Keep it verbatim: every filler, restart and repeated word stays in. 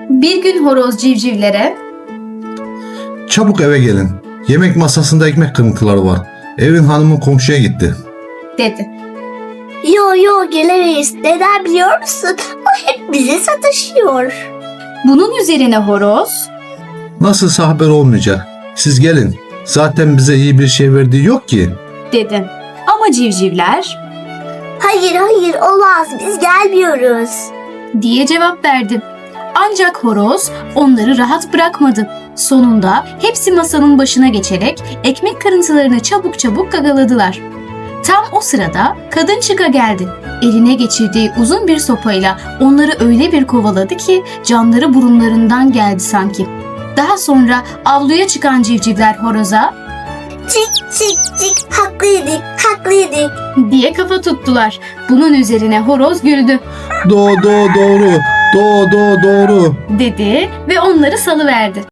Bir gün horoz civcivlere Çabuk eve gelin. Yemek masasında ekmek kırıntıları var. Evin hanımı komşuya gitti. dedi. Yo yo gelemeyiz. Neden biliyor musun? O hep bize sataşıyor. Bunun üzerine horoz Nasılsa haber olmayacak. Siz gelin. Zaten bize iyi bir şey verdiği yok ki. dedi. Ama civcivler Hayır hayır olmaz biz gelmiyoruz. diye cevap verdi. Ancak horoz onları rahat bırakmadı. Sonunda hepsi masanın başına geçerek ekmek kırıntılarını çabuk çabuk gagaladılar. Tam o sırada kadın çıka geldi. Eline geçirdiği uzun bir sopayla onları öyle bir kovaladı ki canları burunlarından geldi sanki. Daha sonra avluya çıkan civcivler horoza Çık çık çık haklıydık haklıydık. diye kafa tuttular. Bunun üzerine horoz güldü Do do doğru. Do do doğru. dedi ve onları salıverdi.